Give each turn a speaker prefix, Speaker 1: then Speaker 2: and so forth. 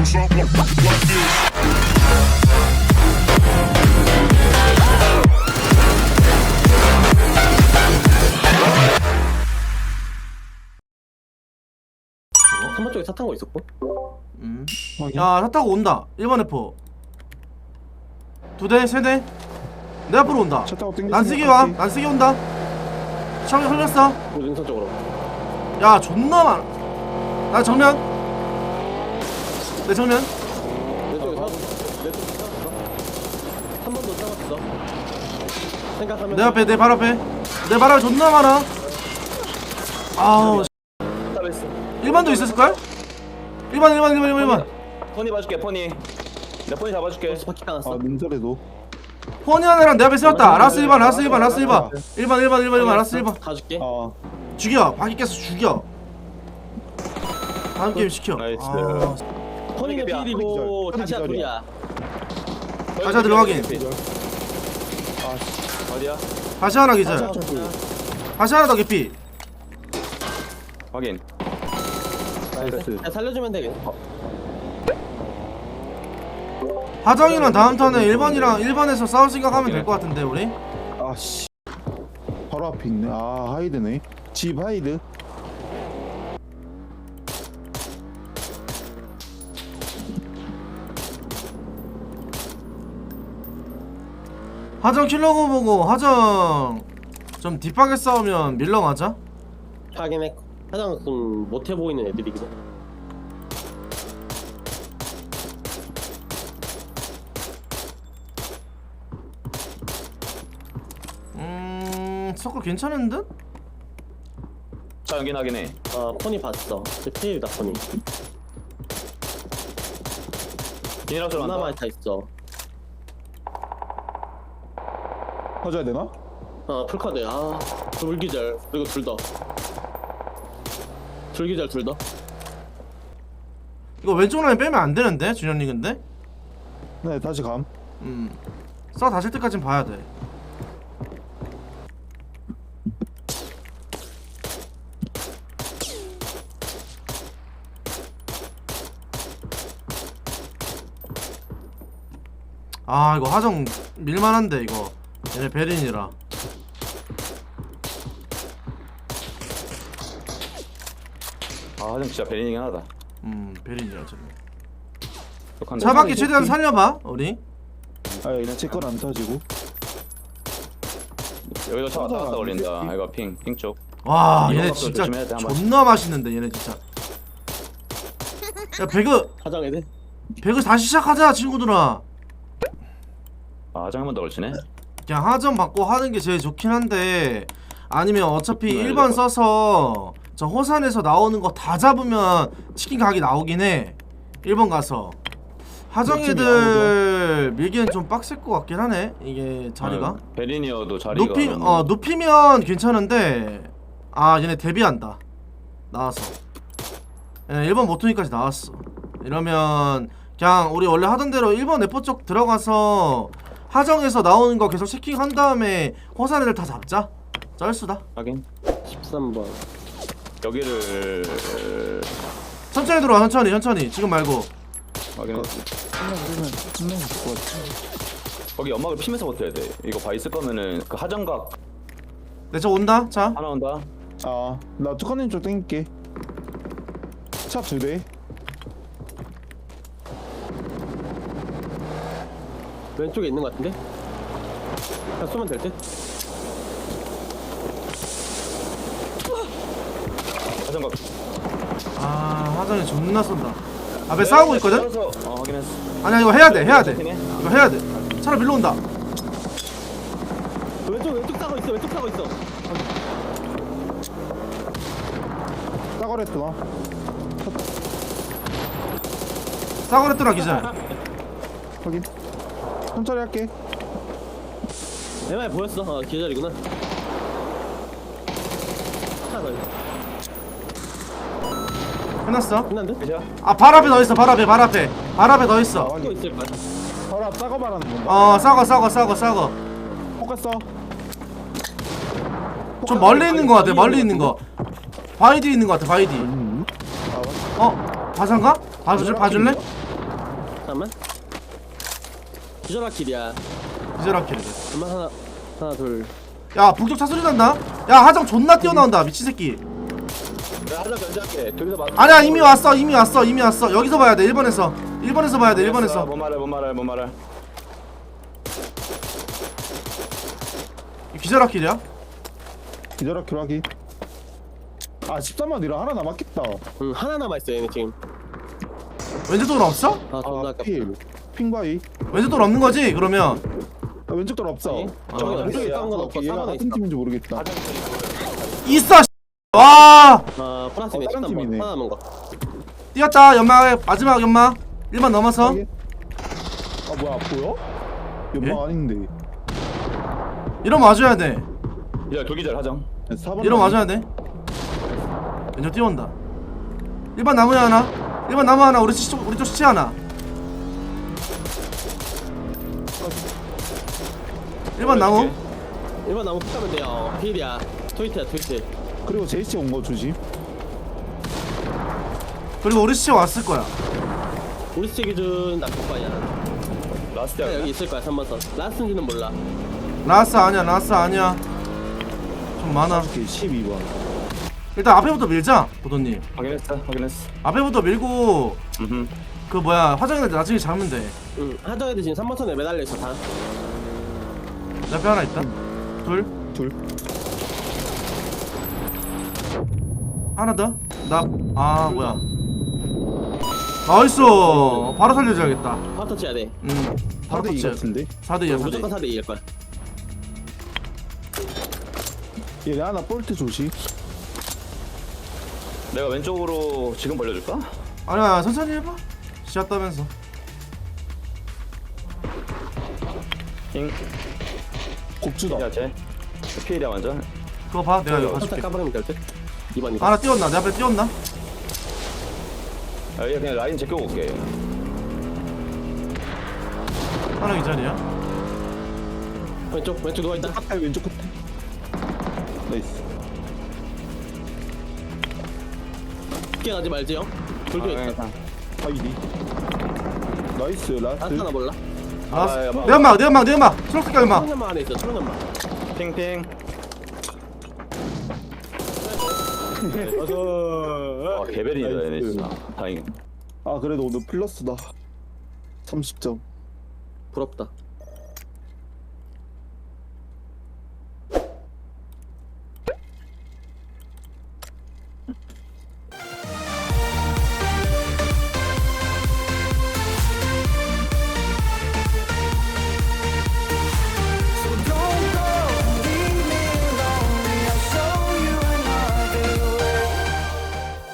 Speaker 1: something like this.
Speaker 2: 한번 쪽에 차 탄 거 있었고.
Speaker 3: 야, 차 타고 온다. 1번 F. 2대, 3대. 내 앞으로 온다.
Speaker 4: 차 타고 땡기지.
Speaker 3: 난쓰기 와. 난쓰기 온다. 차가 흘렸어.
Speaker 2: 능선 쪽으로.
Speaker 3: 야, 존나 많아. 나 정면. 내 정면.
Speaker 2: 내 쪽에 차. 내 쪽에 차. 한 번 더 잡았어. 생각하면.
Speaker 3: 내 앞에, 내 발 앞에. 내 발 앞에 존나 많아. 아우.
Speaker 2: 답했어.
Speaker 3: 1번도 있었을걸? 1번.
Speaker 5: 포니 봐줄게 포니. 내 포니 잡아줄게.
Speaker 2: 벌써 바퀴 당했어.
Speaker 4: 아 민설에도.
Speaker 3: 포니 하나랑 내 앞에 세웠다. 라스 1번. 1번. 라스 1번.
Speaker 2: 가줄게.
Speaker 4: 아
Speaker 3: 죽여. 바퀴 깼어. 죽여. 다음 게임 시켜.
Speaker 5: 나이스.
Speaker 3: 아,
Speaker 2: 포니가
Speaker 5: 포니
Speaker 2: 필이고
Speaker 4: 기절.
Speaker 2: 다시야
Speaker 4: 포니
Speaker 2: 둘이야.
Speaker 3: 가자 들어가긴.
Speaker 5: 어디야?
Speaker 3: 다시 하나 기절. 다시 하나 더 개피.
Speaker 5: 확인.
Speaker 4: 나이스.
Speaker 2: 야, 살려주면 되겠네.
Speaker 3: 하정이랑 다음 턴에 1번에서 싸울 생각하면 될 것 같은데 우리?
Speaker 4: 아씨. 바로 앞에 있네. 아 하이드네. 집 하이드.
Speaker 3: 하정 킬러고 보고 하정 좀 딥하게 싸우면 밀러 가자.
Speaker 2: 확인해. 가장 좀 못해 보이는 애들이거든.
Speaker 3: 서클 괜찮은 듯?
Speaker 5: 자 연기하긴 해.
Speaker 2: 포니 봤어. 제 필이다 포니.
Speaker 5: 비닐하우스
Speaker 2: 하나
Speaker 5: 간다.
Speaker 2: 많이 타 있어.
Speaker 4: 터져야 되나?
Speaker 2: 풀카드. 불기절. 그리고 둘 더. 불기절 둘 더.
Speaker 3: 이거 왼쪽 라인 빼면 안 되는데 준현이 근데?
Speaker 4: 네 다시 감.
Speaker 3: 싸 다실 때까진 봐야 돼. 아 이거 하정 밀만한데 이거 얘네 베린이라.
Speaker 5: 아 하정 진짜 베리닝 하나다.
Speaker 3: 베린이라 저거.
Speaker 5: 독한데.
Speaker 3: 차 밖에 최대한 살려봐 우리.
Speaker 4: 아 얘네 제건 안 터지고.
Speaker 5: 여기도 차 왔다 갔다 걸린다. 이거 핑 쪽.
Speaker 3: 와
Speaker 5: 이런
Speaker 3: 얘네
Speaker 5: 것도
Speaker 3: 진짜
Speaker 5: 조심해야 돼, 한 번.
Speaker 3: 존나 맛있는데 얘네 진짜. 야
Speaker 2: 하장 애들.
Speaker 3: 배그 다시 시작하자 친구들아.
Speaker 5: 아 하정 한 번 더 걸치네.
Speaker 3: 그냥 하점 받고 하는 게 제일 좋긴 한데 아니면 어차피
Speaker 5: 네,
Speaker 3: 1번
Speaker 5: 네.
Speaker 3: 써서 저 호산에서 나오는 거 다 잡으면 치킨 가게 나오긴 해. 1번 가서 하정
Speaker 4: 팀이
Speaker 3: 애들 밀기엔 좀 빡셀 것 같긴 하네 이게 자리가.
Speaker 5: 베린이어도 자리가.
Speaker 3: 높이면 괜찮은데 얘네 데뷔한다. 나와서 1번 모토니까지 나왔어. 이러면 그냥 우리 원래 하던 대로 1번 F 쪽 들어가서 하정에서 나오는 거 계속 체킹한 다음에 호산 애들 다 잡자. 쩔수다.
Speaker 5: 확인.
Speaker 2: 13번.
Speaker 5: 여기를
Speaker 3: 천천히 들어와. 천천히 지금 말고.
Speaker 5: 확인.
Speaker 4: 끝나면 될것 같아.
Speaker 5: 거기 연막을 피면서 버텨야 돼. 이거 봐 있을 거면은 그 하정각
Speaker 3: 내 저 온다. 자
Speaker 5: 하나 온다.
Speaker 4: 아나 투커님 쪽 땡길게. 차 2대.
Speaker 2: 왼쪽에 있는 것 같은데? 그냥 쏘면 될 듯?
Speaker 5: 하정각.
Speaker 3: 하정이 존나 쏜다. 앞에 싸우고 있거든?
Speaker 5: 확인했어.
Speaker 3: 아니야 이거 해야 돼 이거 해야 돼. 차로 밀러온다.
Speaker 2: 왼쪽 사고 있어. 왼쪽 사고 있어.
Speaker 4: 싸거랬구나.
Speaker 3: 싸그랬더라 기절.
Speaker 4: 확인. 천천히 할게.
Speaker 2: 내 말 보였어. 기절이구나. 하나 더 있어.
Speaker 3: 끝났어.
Speaker 2: 끝난데?
Speaker 5: 그죠?
Speaker 3: 발 앞에 더 있어. 발 앞에 더 있어.
Speaker 2: 또
Speaker 4: 확인.
Speaker 2: 있을 거야.
Speaker 4: 바로 앞 싸거 말하는 건가?
Speaker 3: 싸거.
Speaker 4: 포커스.
Speaker 3: 좀 멀리 있는 거 같아. 멀리 있는 거. 바이디 있는 거 같아. 바이디. 바산가? 봐줄래?
Speaker 2: 잠깐만. 기절학길이야.
Speaker 3: 기절학길이래.
Speaker 2: 잠깐만 하나 둘.
Speaker 3: 야 북쪽 차 소리 난다. 야 하정 존나 뛰어나온다 미친 새끼.
Speaker 5: 내가 하정 견제할게. 저기서 맞.
Speaker 3: 아니야 이미 왔어 여기서 봐야 돼 1번에서 봐야 돼 1번에서.
Speaker 5: 못 말해.
Speaker 3: 기절학길이야?
Speaker 4: 기절학교 하기. 아 13만 이라 하나 남았겠다.
Speaker 2: 응 하나 남아 있어 얘네 지금.
Speaker 3: 왼쪽 돌 없어?
Speaker 2: 아 존나 아깝다.
Speaker 4: 필 핑바이.
Speaker 3: 왼쪽 돌 없는 거지 그러면?
Speaker 4: 아, 왼쪽 돌 없어.
Speaker 2: 네?
Speaker 5: 저기
Speaker 2: 왼쪽에
Speaker 5: 어디야?
Speaker 2: 싸운 건 없고
Speaker 4: 얘가
Speaker 2: 4번에
Speaker 4: 같은
Speaker 2: 있어.
Speaker 4: 팀인지 모르겠다.
Speaker 3: 있어 와
Speaker 2: 아 플라스네
Speaker 4: 다른
Speaker 2: 13번
Speaker 4: 팀이네.
Speaker 2: 하나 남은 거.
Speaker 3: 뛰었다 연막 마지막 연막 1번 넘어서.
Speaker 4: 아 뭐야 보여? 연막
Speaker 3: 예?
Speaker 4: 아닌데.
Speaker 3: 이러면 와줘야 돼
Speaker 5: 야 돌기절 하정.
Speaker 4: 4번
Speaker 3: 이러면 와줘야 돼 왼쪽 뛰어온다 1번 나무에 하나 1번 나무 하나 우리 쪽 시체 하나 1번 나무
Speaker 2: 1번 나무 푸가면 돼요. 필이야. 트위트야 트위트.
Speaker 4: 그리고 제이씨 온 거 조심.
Speaker 3: 그리고 우리 시체 왔을 거야
Speaker 2: 우리 스체 기준 나쁠 거야.
Speaker 5: 라스트야.
Speaker 2: 여기 있을 거야 3번 선. 라스인지는 몰라.
Speaker 3: 라스 아니야 좀 많아
Speaker 4: 12번.
Speaker 3: 일단 앞에부터 밀자 보도님
Speaker 5: 확인했어.
Speaker 3: 앞에부터 밀고
Speaker 5: 음.
Speaker 3: 그 뭐야 화장실 나중에 잡으면 돼
Speaker 2: 응 하정애들 지금 3번 선에 매달려 있어 다.
Speaker 3: 내 앞에 하나 있다 둘 하나 더? 뭐야 나이스 바로 살려줘야겠다
Speaker 2: 파워 터치해야 돼.
Speaker 3: 바로
Speaker 4: 4대2
Speaker 3: 터치
Speaker 4: 같은데?
Speaker 3: 4대2야
Speaker 2: 무조건 4대 2일 거야.
Speaker 4: 얘네 하나 볼트 조심.
Speaker 5: 내가 왼쪽으로 지금 벌려줄까?
Speaker 3: 아니야 천천히 해봐 시야 따면서
Speaker 5: 잉.
Speaker 4: 곡주다.
Speaker 5: 야 쟤. 피해야 완전.
Speaker 3: 그거 봐 내가 이거
Speaker 2: 살짝
Speaker 3: 봐줄게
Speaker 2: 까버리면 될 듯. 2번
Speaker 3: 하나 띄웠나 내 앞에 띄웠나?
Speaker 5: 야 얘 그냥 라인 제껴 올게.
Speaker 3: 하나 이 자리야
Speaker 2: 왼쪽 누워있다.
Speaker 4: 끝에 왼쪽 끝에. 나이스.
Speaker 2: 깊게 가지 말지 형. 불교 있다.
Speaker 4: 하이디. 나이스
Speaker 2: 라스 하나
Speaker 4: 라스트.
Speaker 2: 몰라.
Speaker 3: 알았어
Speaker 5: 야, 봐.
Speaker 3: 내 연막 초록색 연막
Speaker 2: 초록연막 안에 있어 초록연막.
Speaker 5: 핑핑. 와 개별이다 얘네
Speaker 4: 나이스.
Speaker 5: 진짜. 다행이네.
Speaker 4: 아 그래도 오늘 플러스다. 30점.
Speaker 2: 부럽다.